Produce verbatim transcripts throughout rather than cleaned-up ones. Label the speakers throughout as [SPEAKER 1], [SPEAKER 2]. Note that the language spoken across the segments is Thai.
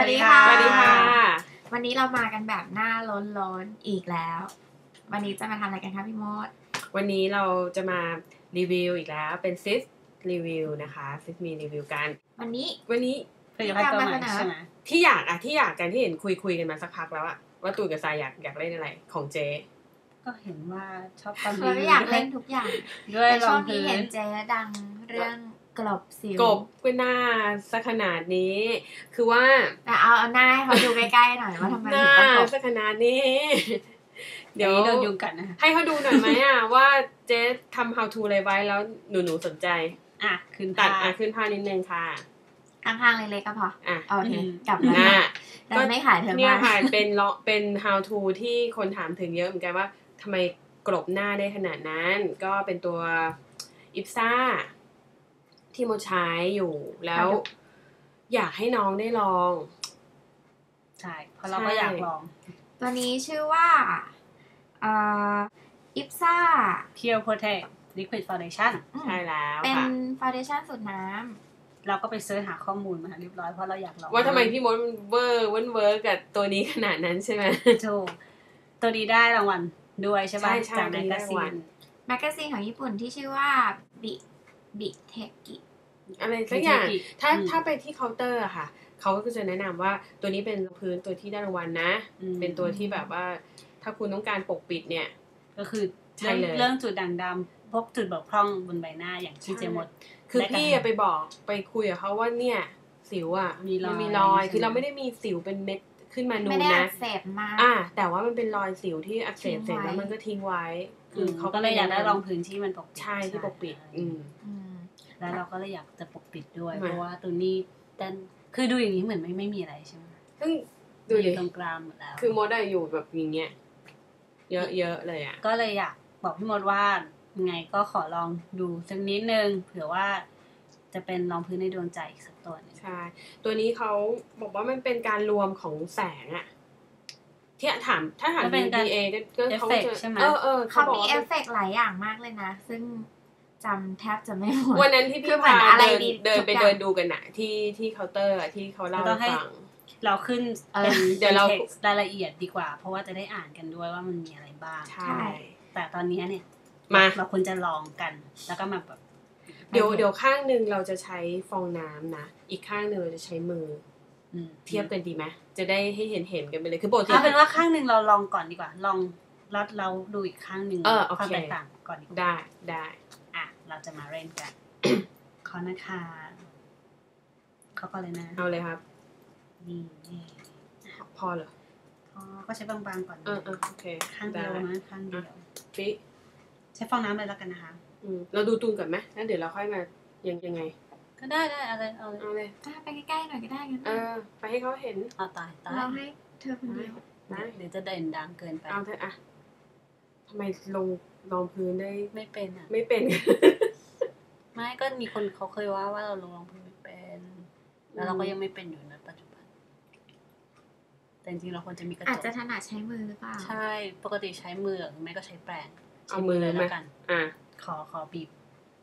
[SPEAKER 1] ดีค่ะ
[SPEAKER 2] สวัสดีค่ะ
[SPEAKER 1] วันนี้เรามากันแบบหน้าล้นๆอีกแล้ววันนี้จะมาทำอะไรกันคะพี่มด
[SPEAKER 2] วันนี้เราจะมารีวิวอีกแล้วเป็นซิสรีวิวนะคะซิสมีรีวิวกัน
[SPEAKER 1] วันนี้
[SPEAKER 2] วันนี้
[SPEAKER 1] ผลิตภัณฑ์ตัวใหม่ใช่ไหม
[SPEAKER 2] ที่อยากอะที่อยากกันที่เห็นคุยคุยกันมาสักพักแล้วอะว่าตูนกับทรายอยากอยากเล่นอะไรของเจ๊
[SPEAKER 3] ก็เห็นว่าชอบทำ
[SPEAKER 1] รีวิวอยากเล่นทุกอย่าง
[SPEAKER 3] ด้วย
[SPEAKER 1] รองพื้นเห็นเจ๊ดังเรื่องกลบสิว
[SPEAKER 2] กบก็หน้าสักขนาดนี้คือว่า
[SPEAKER 1] แต่เอาเอาหน้าให้เขาดูใกล้ๆหน่อยว่าทำไมถึง
[SPEAKER 2] ต้อง
[SPEAKER 1] กบ
[SPEAKER 2] สักขนาดนี้
[SPEAKER 3] เดี๋ยวโดนยุงกัดนะ
[SPEAKER 2] ให้เขาดูหน่อยไหมอะว่าเจ๊ทำ how to อะไรไว้แล้วหนูหนูสนใจ
[SPEAKER 3] อ่ะขึ้น
[SPEAKER 2] ตัดอ่ะขึ้นผ้านิดนึงค่ะ
[SPEAKER 1] ข้างๆเล็กๆก็พอ
[SPEAKER 2] อ่ะ
[SPEAKER 1] โอเคกลับมาก็ไม่ขายเธอมา
[SPEAKER 2] เนี่ยค่ะเป็นเป็น how to ที่คนถามถึงเยอะเหมือนกันว่าทำไมกลบหน้าได้ขนาดนั้นก็เป็นตัวอิปซ่าที่โมใช้อยู่แล้วอยากให้น้องได้ลอง
[SPEAKER 3] ใช่เพราะเราก็อยากลอง
[SPEAKER 1] ตัวนี้ชื่อว่าอ่าอิปซ่า
[SPEAKER 3] Pure Protect Liquid Foundation
[SPEAKER 2] ใช่แล้ว
[SPEAKER 1] เป็น foundation สูตรน้
[SPEAKER 3] ำเราก็ไปเสิร์ชหาข้อมูลมาเรียบร้อยเพราะเราอยากลอง
[SPEAKER 2] ว่าทำไมพี่มดเวอร์เวิร์นเวิร์กับตัวนี้ขนาดนั้นใช่ไหม
[SPEAKER 3] ถูกตัวนี้ได้รางวัลด้วยใช่ไหมจากแมกกาซีน
[SPEAKER 1] แมกกาซีนของญี่ปุ่นที่ชื่อว่าบิบิเทกิ
[SPEAKER 2] อะไรสักอย่างถ้าถ้าไปที่เคาน์เตอร์อะค่ะเขาก็จะแนะนำว่าตัวนี้เป็นพื้นตัวที่ได้รางวัลนะเป็นตัวที่แบบว่าถ้าคุณต้องการปกปิดเนี่ย
[SPEAKER 3] ก็คือใช่เลยเรื่องจุดด่างดำพวกจุดบกพร่องบนใบหน้าอย่างที่เจมด
[SPEAKER 2] คือพี่ไปบอกไปคุยกับเขาว่าเนี่ยสิวอะมันมีรอยคือเราไม่ได้มีสิวเป็นเม็ดขึ้นมานูนนะ
[SPEAKER 1] ไม่ได้อักเสบมาก
[SPEAKER 2] อ่าแต่ว่ามันเป็นรอยสิวที่อักเสบเสร็จแล้วมันก็ทิ้งไว้
[SPEAKER 3] คือเขาก็เลยอยากได้รองพื้นที่มันปกปิด
[SPEAKER 2] ใช่ที่ปกปิดอืม
[SPEAKER 3] แล้วเราก็เลยอยากจะปกปิดด้วยเพราะว่าตัวนี้ดันคือดูอย่างนี้เหมือนไม่ไม่มีอะไรใช่ไหม
[SPEAKER 2] ซึ่งดู
[SPEAKER 3] อยู่ตรงกลางหมดแล้ว
[SPEAKER 2] คือมดได้อยู่แบบอย่างเงี้ยเยอะๆเลยอ่ะ
[SPEAKER 3] ก็เลยอยากบอกพี่มดว่าไงก็ขอลองดูสักนิดนึงเผื่อว่าจะเป็นรองพื้นในดวงใจอีกสักตัวนึง
[SPEAKER 2] ใช่ตัวนี้เขาบอกว่ามันเป็นการรวมของแสงอ่ะที่ถามถ้าถาม ดี เอ ก็เขาจะเออเออ
[SPEAKER 1] เขามีเอฟเฟกต์หลายอย่างมากเลยนะซึ่งจำแทบจะไม่หมด
[SPEAKER 2] วันนั้นที่พี่พาเดินเดินไปเดินดูกันน่ะที่ที่เคาน์เตอร์ที่เขาเล่าให้ฟัง
[SPEAKER 3] เราขึ้นเป็นเดี๋ยวเรารายละเอียดดีกว่าเพราะว่าจะได้อ่านกันด้วยว่ามันมีอะไรบ้าง
[SPEAKER 2] ใช่
[SPEAKER 3] แต่ตอนนี้เนี่ย
[SPEAKER 2] มา
[SPEAKER 3] เราควรจะลองกันแล้วก็มาแบบ
[SPEAKER 2] เดี๋ยวเดี๋ยวข้างนึงเราจะใช้ฟองน้ำนะอีกข้างนึงเราจะใช้มือเทียบกันดีไหมจะได้ให้เห็นเห็นกันไปเลยคือปกติ
[SPEAKER 3] เอาเป็นว่าข้างนึงเราลองก่อนดีกว่าลองแล้วเราดูอีกข้างนึงความแตกต่างก่อนดีกว่า
[SPEAKER 2] ได้ได้
[SPEAKER 3] อ่ะเราจะมาเล่นกันขอนะคะเขาก็เลยนะ
[SPEAKER 2] เอาเลยครับ
[SPEAKER 3] นี่นี่
[SPEAKER 2] พอเหรอ
[SPEAKER 3] พอก็ใช้บางๆก่อน
[SPEAKER 2] เออเออโอเค
[SPEAKER 3] ข้างเดียวนะข้างเดียว
[SPEAKER 2] ปิ๊
[SPEAKER 3] ใช้ฟองน้ำเลยแล้วกันนะคะ
[SPEAKER 2] อืมเราดูตูนก่อนไหมแล้วเดี๋ยวเราค่อยมายังยังไง
[SPEAKER 3] ก็ได้ได้อะไรเอาเลย
[SPEAKER 2] เอาเลย
[SPEAKER 1] ไปใกล้ๆหน่อยก็ได้งั้น
[SPEAKER 2] เออไปให้เขาเห็น
[SPEAKER 3] เอาตายตาย
[SPEAKER 1] เราให้เธอคนเดียว
[SPEAKER 3] นะเดี๋ยวจะเด่นดังเกินไป
[SPEAKER 2] เอาเถอะอะทำไมลงรองพื้นได้
[SPEAKER 3] ไม่เป็นอ่ะ
[SPEAKER 2] ไม่เป็น
[SPEAKER 3] ไม่ก็มีคนเขาเคยว่าว่าเราลงรองพื้นไม่เป็นแล้วเราก็ยังไม่เป็นอยู่นะปัจจุบันแต่จริงๆเราควรจะมีกระจก
[SPEAKER 1] อาจจะถนัดใช้มือหรือเปล่า
[SPEAKER 3] ใช่ปกติใช้มือหรือไม่ก็ใช้แปรง
[SPEAKER 2] เอามือเลยแล้ว
[SPEAKER 3] กัน
[SPEAKER 2] อ่ะ
[SPEAKER 3] ขอขอบีบ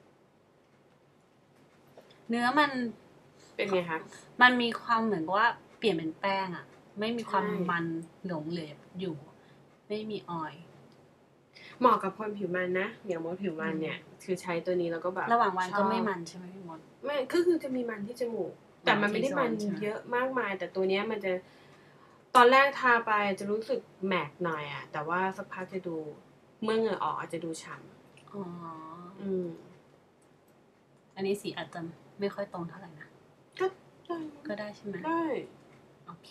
[SPEAKER 3] เนื้อมัน
[SPEAKER 2] เป็นไงคะ
[SPEAKER 3] มันมีความเหมือนว่าเปลี่ยนเป็นแป้งอ่ะไม่มีความมันหลงเหลืออยู่ไม่มีออยล์
[SPEAKER 2] เหมาะกับคนผิวมันนะอย่างมดผิวมันเนี่ยคือใช้ตัวนี้แล้วก็แบบ
[SPEAKER 3] ระหว่างวันก็ไม่มันใช่ไหมพี่มด
[SPEAKER 2] ไม่ก็คือจะมีมันที่จมูกแต่มันไม่ได้มันเยอะมากมายแต่ตัวนี้มันจะตอนแรกทาไปจะรู้สึกแมกหน่อยอ่ะแต่ว่าสักพักจะดูเมื่อเหงื่อออกอาจจะดูฉ่ำ
[SPEAKER 3] อ๋อ
[SPEAKER 2] อืม
[SPEAKER 3] อันนี้สีอาจจะไม่ค่อยตรงเท่าไหร่นะ
[SPEAKER 2] ก็ได้
[SPEAKER 3] ก็ได้ใช่ไหม
[SPEAKER 2] ได้
[SPEAKER 3] โอเค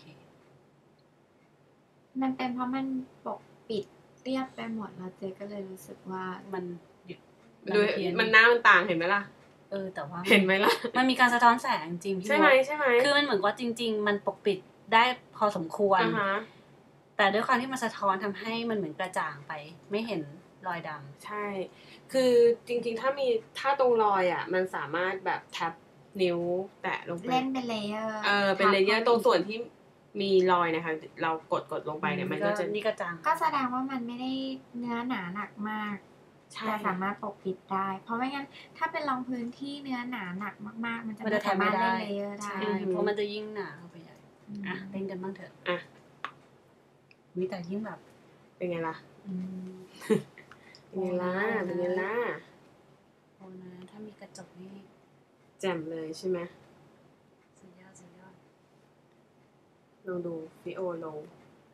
[SPEAKER 1] มันเป็นเพราะมันปกปิดเรียบไปหมดแล้วเจ๊ก็เลยรู้สึกว่า
[SPEAKER 3] มัน
[SPEAKER 2] ดูมันหน้ามันต่างเห็นไหมล่ะ
[SPEAKER 3] เออแต่ว่า
[SPEAKER 2] เห็นไหมล่ะ
[SPEAKER 3] มันมีการสะท้อนแสงจริง
[SPEAKER 2] ใช่ไหมใช่ไหม
[SPEAKER 3] คือมันเหมือนว่าจริงๆมันปกปิดได้พอสมควรแต่ด้วยความที่มันสะท้อนทำให้มันเหมือนกระจ่างไปไม่เห็นรอยดำ
[SPEAKER 2] ใช่คือจริงๆถ้ามีถ้าตรงรอยอ่ะมันสามารถแบบแท็บนิ้วแตะลงไป
[SPEAKER 1] เล่นเป็นเลเยอร์
[SPEAKER 2] เออเป็นเลเยอร์ตรงส่วนที่มีรอยนะคะเรากดกดลงไปเนี่ยมันก็จะ
[SPEAKER 3] นี่กระจ่าง
[SPEAKER 1] ก็แสดงว่ามันไม่ได้เนื้อหนาหนักมากแต่สามารถปกปิดได้เพราะไม่งั้นถ้าเป็นรองพื้นที่เนื้อหนาหนักมากๆมันจะไม่สามารถเล่นเลเยอร์ได้
[SPEAKER 3] เพราะมันจะยิ่งหนาเข้าไปใหญ่อ่ะเต้นกันบ้างเถอะ
[SPEAKER 2] อ่ะ
[SPEAKER 3] วิแต่ยิ่งแบบ
[SPEAKER 2] เป็นไงล่ะ
[SPEAKER 3] อืม
[SPEAKER 2] เป็นไงล่ะ เป็นไงล่ะ
[SPEAKER 3] โอ้นะถ้ามีกระจกนี่
[SPEAKER 2] แจ่มเลยใช่ไหม
[SPEAKER 3] สุดยอดสุดยอด
[SPEAKER 2] ลองดูฟิโอลง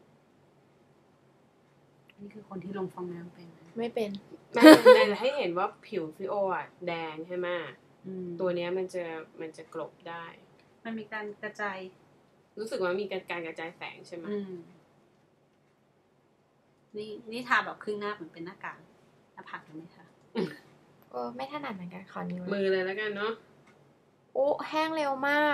[SPEAKER 3] นี่คือคนที่ลงฟองน้ำเป็นนะ
[SPEAKER 1] ไม่เป็น
[SPEAKER 2] ไม่แต่ให้เห็นว่าผิวฟิโออ่ะแดงใช่ไหม
[SPEAKER 3] อืม
[SPEAKER 2] ตัวเนี้ยมันจะมันจะกลบได้
[SPEAKER 3] มันมีการกระจาย
[SPEAKER 2] รู้สึกว่ามีการการกระจายแสงใช่ไหม
[SPEAKER 3] อืมนี่นี่ทาแบบครึ่งหน้าเหมือนเป็นหน้ากากหน้าผากยังไม่ทา
[SPEAKER 1] เออไม่ถนัดเหมือนกันขอนิ้ว
[SPEAKER 2] มือเลยแล้วกันเนาะ
[SPEAKER 1] โอ้แห้งเร็วมาก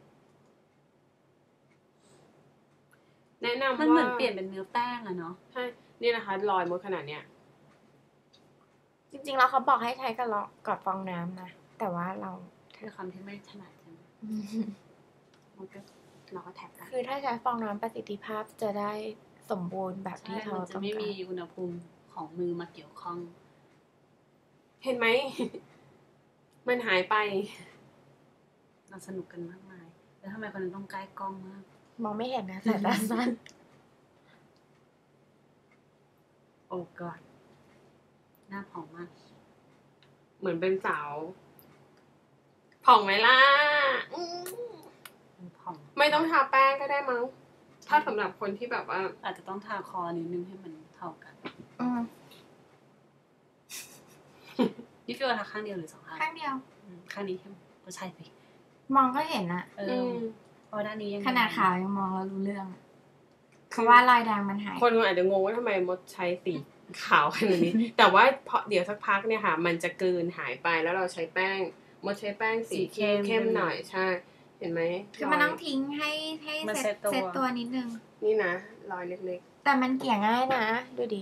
[SPEAKER 2] แนะนำว่า
[SPEAKER 3] มันเหมือนเปลี่ยนเป็นเนื้อแป้งอะเนาะ
[SPEAKER 2] ใช่ นี่นะคะรอยมดขนาดเนี้ย
[SPEAKER 1] จริงๆแล้วเขาบอกให้ใช้กับลอกกับฟองน้ำนะ แต่ว่าเรา
[SPEAKER 3] คือคำที่ไม่ถนัดใช่ไหมมันก็เราก็แท็บกัน
[SPEAKER 1] คือถ้าใช้ฟองน้ำประสิทธิภาพจะได้สมบูรณ์แบบ
[SPEAKER 3] ใช่
[SPEAKER 1] ที่เขา
[SPEAKER 3] มันจะ
[SPEAKER 1] ต้อง
[SPEAKER 3] ไม่
[SPEAKER 1] กา
[SPEAKER 3] มี
[SPEAKER 1] ร
[SPEAKER 3] อุณหภูมิของมือมาเกี่ยวข้อง
[SPEAKER 2] เห็นไหม มันหายไป
[SPEAKER 3] เราสนุกกันมากมาย แล้วทำไมคนนั้นต้องใกล้กล้องมาก
[SPEAKER 1] มองไม่เห็นนะสายตาสั้น
[SPEAKER 3] โอ้กอดหน้าผ่องมาก
[SPEAKER 2] เหมือนเป็นสาว ผ่องไหมล่ะอืม
[SPEAKER 3] ผ่อง
[SPEAKER 2] ไม่ต้องทาแป้งก็ได้มั้ง ถ้าสำหรับคนที่แบบว่า
[SPEAKER 3] อาจจะต้องทาคอนิดนึงให้มันเท่ากัน
[SPEAKER 1] อืม
[SPEAKER 3] นี่ฟิวทาข้างเดียวหรือสองข้าง
[SPEAKER 1] ข้างเดียว
[SPEAKER 3] อืมข้างนี้ใช่ไหมก็ใช่สิ
[SPEAKER 1] มองก็เห็นอะ
[SPEAKER 3] เอ
[SPEAKER 2] อื
[SPEAKER 3] อ
[SPEAKER 2] ม
[SPEAKER 3] เพราะด้านนี้ยัง
[SPEAKER 1] ขนาดขาวยังมองแล้วรู้เรื่องอะเพราะว่ารอยแดงมันหาย
[SPEAKER 2] คนอาจจะงงว่าทำไมมดใช้สีขาวขนาดนี้ แต่ว่าพอเดี๋ยวสักพักเนี่ยค่ะ มันจะกลืนหายไปแล้วเราใช้แป้ง มดใช้แป้งสีเข้มเข้มหน่อยใช่ เห็นไหม
[SPEAKER 1] คือมันต้องทิ้งให้ให้
[SPEAKER 3] มัน
[SPEAKER 1] เซ็
[SPEAKER 3] เซ็
[SPEAKER 1] ต
[SPEAKER 3] ตตัว
[SPEAKER 1] เซ็ตตัวนิดนึง
[SPEAKER 2] นี่นะรอยเล็ก
[SPEAKER 1] แต่มันเกลี่ยง่ายนะ ดูดิ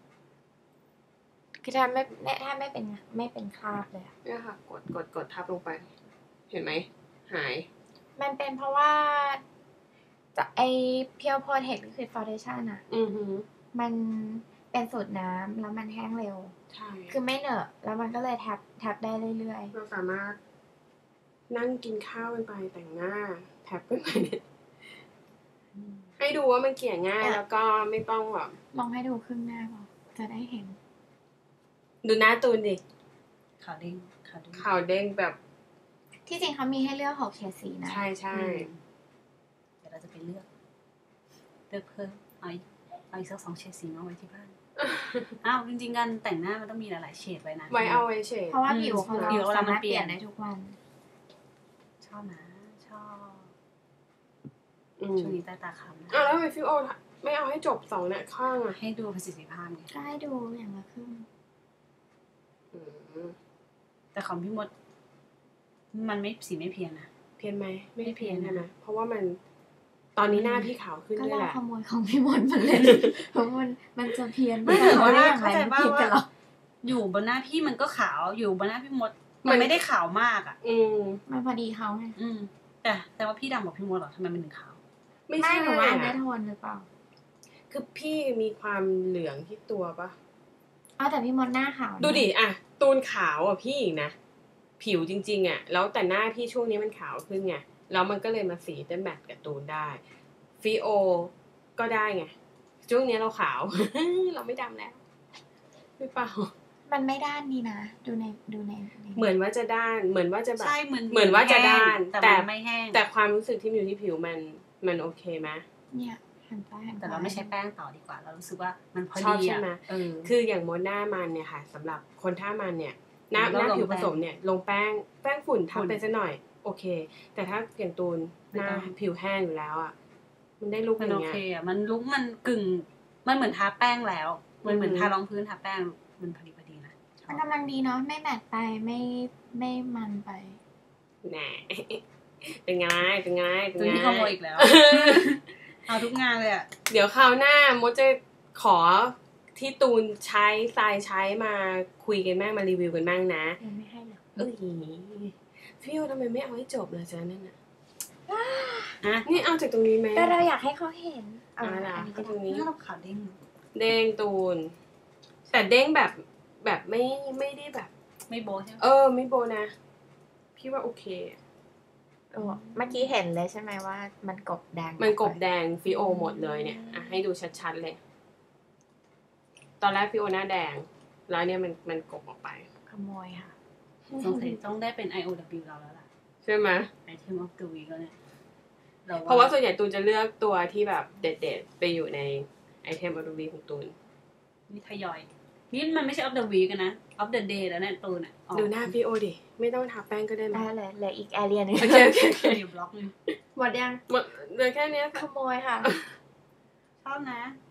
[SPEAKER 1] คือถ้าไม่ถ้าไม่เป็นไม่เป็นคราบเลยอะ
[SPEAKER 2] ๆเนี่ยค่ะ กดกดกดทับลงไป เห็นไหม หาย
[SPEAKER 1] มันเป็นเพราะว่าจะไอเพียวโพเทคลิควิดฟาวเดชั่นอะ
[SPEAKER 2] อือหือ
[SPEAKER 1] มันเป็นสูตรน้ำแล้วมันแห้งเร็ว
[SPEAKER 2] ใช่
[SPEAKER 1] คือไม่เหนอะแล้วมันก็เลยแท็บแท็บได้เรื่อย
[SPEAKER 2] เราสามารถนั่งกินข้าวกันไปแต่งหน้า แท็บกันไปเนี่ย
[SPEAKER 3] อืม
[SPEAKER 2] ให้ดูว่ามันเกลี่ยง่ายแล้วก็ไม่ต้องแบบ
[SPEAKER 1] ๆ ลองให้ดูครึ่งหน้าพอจะได้เห็น
[SPEAKER 2] ดูหน้าตูนดิ
[SPEAKER 3] ขาวเด้งขาวเด้ง
[SPEAKER 2] ขาวเด้งแบบ
[SPEAKER 1] ที่จริงเขามีให้เลือกหกเฉดสีนะ
[SPEAKER 2] ใช่ใช่
[SPEAKER 3] อืมเดี๋ยวเราจะไปเลือก เลือกเพิ่มเอาอีกเอาอีกสักสองเฉดสีมาไว้ที่บ้าน อ้าวจริงๆการแต่งหน้ามันต้องมีหลายๆเฉดไว้นะ
[SPEAKER 2] ไว้เอาไว้เฉย
[SPEAKER 1] เพราะว่าผิวของ
[SPEAKER 3] ผิว
[SPEAKER 1] เรา
[SPEAKER 3] เรา
[SPEAKER 1] สามารถ
[SPEAKER 3] มันเป
[SPEAKER 1] เป
[SPEAKER 3] ลี่
[SPEAKER 1] ลี่
[SPEAKER 3] ย
[SPEAKER 1] ย
[SPEAKER 3] น
[SPEAKER 1] นได้ทุกวัน
[SPEAKER 3] ชอบนะชอบ
[SPEAKER 2] อืม
[SPEAKER 3] ช่วงนี้ใต้ตาค้ำนะ
[SPEAKER 2] อ้าวแล้วทำไมฟิวโอไม่เอาให้จบสองเนี่ยข้างอ่ะ
[SPEAKER 3] ให้ดูประสิทธิภาพไง
[SPEAKER 1] ก็ให้ดูอย่างละครึ่ง
[SPEAKER 2] อืม
[SPEAKER 3] แต่ของพี่มด มันไม่สีไม่เพี้ยนนะ
[SPEAKER 2] เพี้ยนไหมไม่
[SPEAKER 3] ไม่เพี้ยน
[SPEAKER 2] ใช่ไหมเพราะว่ามัน ตอนนี้หน้าพี่ขาวขึ้น
[SPEAKER 1] ก็
[SPEAKER 2] ด้วย
[SPEAKER 1] เรา
[SPEAKER 2] แหละ
[SPEAKER 1] ขโมยของพี่มดมาเล่น เพราะมันมันจะเพี้ยน
[SPEAKER 3] ไม่แต่ว่า
[SPEAKER 1] ได้อย่างไร
[SPEAKER 3] เข้าใจ
[SPEAKER 1] มัน
[SPEAKER 3] ว่า
[SPEAKER 1] ผิดกันหรอ
[SPEAKER 3] อยู่บนหน้าพี่มันก็ขาวอยู่บนหน้าพี่มด
[SPEAKER 2] มั
[SPEAKER 3] มัน นไม่ได้ขาวมากอ่ะ
[SPEAKER 2] อืม
[SPEAKER 1] มันพอดีเขาไง
[SPEAKER 3] อืม แต่แต่ว่าพี่ดำกว่าพี่มดเหรอทำไมมันถึงขาว
[SPEAKER 2] ไม่
[SPEAKER 1] ไม่
[SPEAKER 2] ใช่
[SPEAKER 1] หนูว่าอันเดอ
[SPEAKER 2] อะ
[SPEAKER 1] ร์โทนหรือเปล่า
[SPEAKER 2] คือพี่มีความเหลืองที่ตัวปะ
[SPEAKER 1] เอาแต่พี่มดหน้าขาวนะ
[SPEAKER 2] ดูดิอะตูนขาวอ่ะพี่อีกนะ ผิวจริงๆอ่ะ แล้วแต่หน้าพี่ช่วงนี้มันขาวขึ้นไง แล้วมันก็เลยมาสีเต้นแมทกับตูนได้ ฟิโอก็ได้ไง ช่วงนี้เราขาว เราไม่ดำแล้วหรือเปล่า
[SPEAKER 1] มันไม่ด้านดีนะ ดูในดูในใน
[SPEAKER 2] เหมือนว่าจะด้าน เหมือนว่าจะแบบ
[SPEAKER 3] ใช่เหมือน
[SPEAKER 2] เหมือนว่าจะด้าน
[SPEAKER 3] แต่
[SPEAKER 2] แต่
[SPEAKER 3] มันไม่แห้ง
[SPEAKER 2] แต่ความรู้สึกที่มันอยู่ที่ผิวมันมันโอเคไหม
[SPEAKER 1] เนี่ยหันซ้ายหันขวา
[SPEAKER 3] แต่เราไม่ใช้แป้งต่อดีกว่า เรารู้สึกว่ามันพอ
[SPEAKER 2] ชอบ
[SPEAKER 3] ดี
[SPEAKER 2] ใช่
[SPEAKER 3] อ่ะ
[SPEAKER 2] ไหม
[SPEAKER 3] เออ
[SPEAKER 2] คืออย่างมดหน้ามันเนี่ยค่ะสำหรับคนท่ามันเนี่ย หน้าห
[SPEAKER 3] เรา
[SPEAKER 2] น้า
[SPEAKER 3] ลง
[SPEAKER 2] ผิวผ
[SPEAKER 3] แป้ง
[SPEAKER 2] สมเนี่ย ลงแป้งแป้งฝุ่นทับ
[SPEAKER 3] ฝุ่น
[SPEAKER 2] ไปซะหน่อย โอเค แต่ถ้าอย่างตูน
[SPEAKER 3] ไม่
[SPEAKER 2] หน้า
[SPEAKER 3] ต้อง
[SPEAKER 2] ผิวแห้งอยู่แล้วอ่ะ มันได้ลุกอ
[SPEAKER 3] มัน
[SPEAKER 2] ย่า
[SPEAKER 3] โอง
[SPEAKER 2] เงี้ย
[SPEAKER 3] เคอ่ะ มันลุกมันกึ่ง มันเหมือนทาแป้งแล้ว มันเหมือน
[SPEAKER 2] อืม
[SPEAKER 3] ทารองพื้นทาแป้ง มันพอดีพอดีนะชอบ
[SPEAKER 1] มันกำลังดีเนาะไม่แมตต์ไปไม่ไม่มันไป
[SPEAKER 2] แหน่ เป็นไงเป็นไงเป็น
[SPEAKER 3] จน
[SPEAKER 2] ไง
[SPEAKER 3] ที่ขโมยอีกแล้ว เอาทุกงานเลยอ่ะ
[SPEAKER 2] เดี๋ยวคราวหน้ามดจะขอที่ตูนใช้ทรายใช้มาคุยกันบ้างมารีวิวกันบ้างนะ
[SPEAKER 1] ยังไม่ให้เลย
[SPEAKER 2] เอ้ยพี่โอทำไมไม่เอาให้จบเลยจ้ะนั่นน่ะ
[SPEAKER 3] อ่ะ
[SPEAKER 2] นี่เอาจากตรงนี้ไหม
[SPEAKER 1] แต่เราอยากให้เขาเห็นเอา
[SPEAKER 2] เอาล่ะ
[SPEAKER 1] อันนี้
[SPEAKER 2] ก็
[SPEAKER 1] ก็
[SPEAKER 2] ตรง
[SPEAKER 1] ได้
[SPEAKER 2] นี้
[SPEAKER 3] นี่เราขาวเด้ง
[SPEAKER 2] เด้งตูน แต่เด้งแบบแบบไม่ไม่ได้แบบ
[SPEAKER 3] ไม่โบะใช่ไหม
[SPEAKER 2] เออ ไม่โบนะ พี่ว่าโอเค
[SPEAKER 1] โอ้เมื่อกี้เห็นเลยใช่ไหมว่ามันกบแดง
[SPEAKER 2] มันกบแดงฟิโอหมดเลยเนี่ยอ่ะให้ดูชัดๆเลย ตอนแรกฟิโอหน้าแดงแล้วเนี่ยมันมันกบออกไป
[SPEAKER 1] ขโมยค่ะ
[SPEAKER 3] สงสัยต้องได้เป็น ไอ โอ ดับเบิลยู เราแล้วล่ะ
[SPEAKER 2] ใช่ไหม
[SPEAKER 3] Item of the Week แล้วเนี่ย
[SPEAKER 2] เพราะว่าส่วนใหญ่ตูนจะเลือกตัวที่แบบเด็ดๆไปอยู่ในไอเทมออฟเดอะวีของตูน
[SPEAKER 3] นี่ทยอย นี่มันไม่ใช่ of the week นะ of the day แล้วเนี่ยตูนอ่ะ
[SPEAKER 2] ดูหน้าฟิโอดิไม่ต้องทาแป้งก็ได้ไหม
[SPEAKER 1] ได้เลยเหลืออีกแอเรียหนึง
[SPEAKER 2] โอเคโอเคโอเค
[SPEAKER 3] อยู่บล็อกนึง
[SPEAKER 1] หมดยัง
[SPEAKER 2] หมดเหลือแค่เนี้ย
[SPEAKER 1] ขโมยค่ะ
[SPEAKER 3] ชอบนะ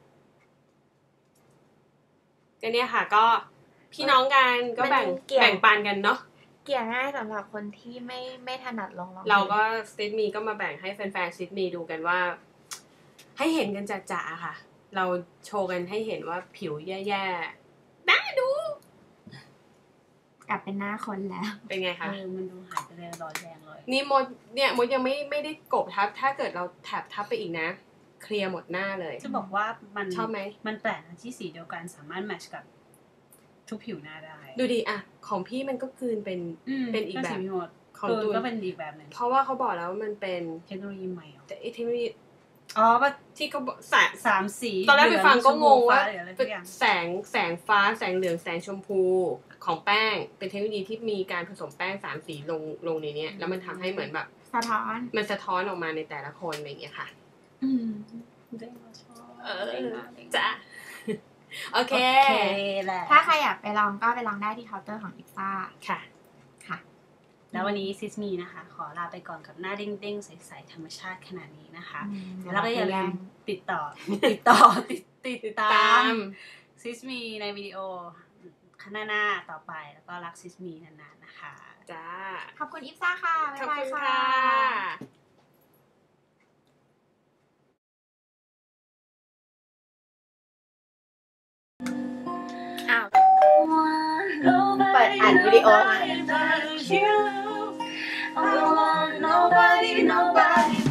[SPEAKER 2] ก็เนี่ยค่ะก็พี่น้องกันก็แบ่ง
[SPEAKER 1] มันเกี่ยว
[SPEAKER 2] แบ่งปันกันเนาะ
[SPEAKER 1] เกี่ยง่ายสำหรับคนที่ไม่ไม่ถนัดลงรอง
[SPEAKER 2] เราก็ซิดมีก็มาแบ่งให้แฟนๆซิดมีดูกันว่า ให้เห็นกันจ่าๆค่ะ เราโชว์กันให้เห็นว่าผิวแย่ๆน่าดู
[SPEAKER 1] กลับเป็นหน้าคนแล้ว
[SPEAKER 2] เป็นไงคะ
[SPEAKER 3] เออ มันดูหายไปเลยรอยแดงเลย
[SPEAKER 2] นี่มดเนี่ยมดยังไม่ไม่ได้กบทับ ถ้าเกิดเราแถบทับไปอีกนะ เคลียร์หมดหน้าเลย
[SPEAKER 3] จะบอกว่ามัน
[SPEAKER 2] ชอบไหม
[SPEAKER 3] มันแปลกนะที่สีเดียวกันสามารถแมทช์กับทุกผิวหน้าได้
[SPEAKER 2] ดูดิอะของพี่มันก็คืนเป็น
[SPEAKER 3] ม
[SPEAKER 2] เป็นอีกแบบ
[SPEAKER 3] สีหมด
[SPEAKER 2] ของ
[SPEAKER 3] ตูน
[SPEAKER 2] ตูน
[SPEAKER 3] ก็เป็นอีกแบบหนึ่ง
[SPEAKER 2] เพราะว่าเขาบอกแล้วว่ามันเป็น
[SPEAKER 3] เทคโนโลยีใหม่เหรอ
[SPEAKER 2] แต่ไอเทคโนโลยี
[SPEAKER 3] อ๋อว่า
[SPEAKER 2] ที่เขาบอกแสง
[SPEAKER 3] สามสี
[SPEAKER 2] ตอนแรกไปฟังก็งงว่า
[SPEAKER 3] เหลืองชมพูฟ้หรืออะไรสักอย่าง
[SPEAKER 2] แสงแสงฟ้าแสงเหลืองแสงชมพูของแป้ง เป็นเทคโนโลยีที่มีการผสมแป้งสามสีลงลงในเนี้ยแล้วมันทำให้เหมือนแบบ
[SPEAKER 1] สะท้อน
[SPEAKER 2] มันสะท้อนออกมาในแต่ละคนอะไรอย่างเงี้ยค่ะ
[SPEAKER 1] อืม
[SPEAKER 3] เด้งมาชอบ
[SPEAKER 2] เออ
[SPEAKER 3] เด้งมาเด้งมา
[SPEAKER 2] จ้ะ โอเค
[SPEAKER 3] โอเคแหละ
[SPEAKER 1] ถ้าใครอยากไปลองก็ไปลองได้ที่เคาน์เตอร์ของอิซ่า
[SPEAKER 2] ค่ะ
[SPEAKER 1] ค่ะ
[SPEAKER 3] แล้ววันนี้ซิสมีนะคะ ขอลาไปก่อนกับหน้าเด้งๆ ใสๆธรรมชาติขนาดนี้นะคะ
[SPEAKER 1] อืม
[SPEAKER 3] แล้วก็อย่าลืมติดต่อ ติดต่อ ติดติด
[SPEAKER 2] ติด
[SPEAKER 3] ตา
[SPEAKER 2] ตาม
[SPEAKER 3] มซิสมีในวิดีโอข้างหน้าๆต่อไป แล้วก็รักซิสมีนานๆนะคะ
[SPEAKER 2] จ้า
[SPEAKER 1] ขอบคุณอิซ่าค่ะ
[SPEAKER 2] ขอบ
[SPEAKER 1] บ๊ายบาย
[SPEAKER 2] คุณ
[SPEAKER 1] ค่ะ
[SPEAKER 2] ค่ะ
[SPEAKER 1] อ้าว เปิดอ่านวิดีโอมา
[SPEAKER 3] I don't want nobody, nobody